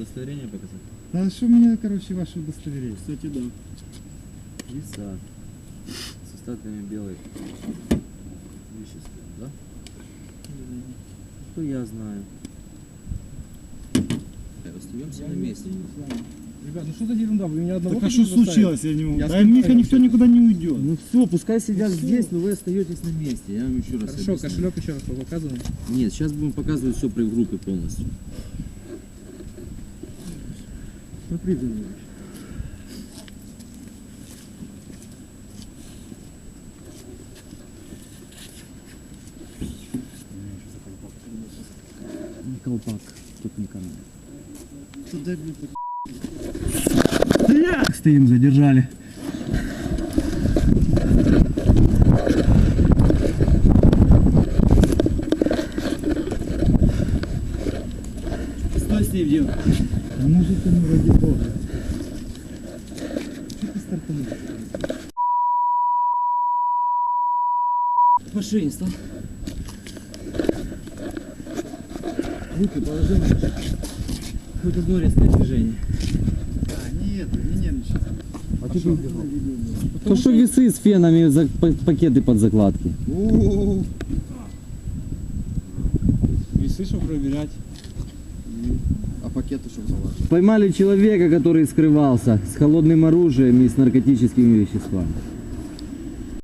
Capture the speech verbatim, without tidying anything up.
удостоверение показать? Да что мне, короче, ваше удостоверение? Кстати, да. Виса. С остатками белой вещества, да? Что я знаю? Остаемся на месте. Ребят, ну что за ерунда? Вы меня одного Так а что случилось? Я не могу. Я Да скажу, Миха я никто никуда не уйдет. Ну все, пускай сидят Ну, здесь, но вы остаетесь на месте. Я вам еще раз Хорошо, объясню. кошелек еще раз показываем. Нет, сейчас будем показывать все при группе полностью. Смотри, Данилович. Не колпак, тут не камера. Туда, блин, Стоим, задержали. стой с ней, девушка. А может ты, ну ради бога. Что ты стартанул? Машине стал. Руки положи. Хоть одно резкое движение. А, нет, не нервничай. А ты что? То, что весы с фенами, за, пакеты под закладки. Весы, что проверять. А пакеты что залаживать? Поймали человека, который скрывался с холодным оружием и с наркотическими веществами.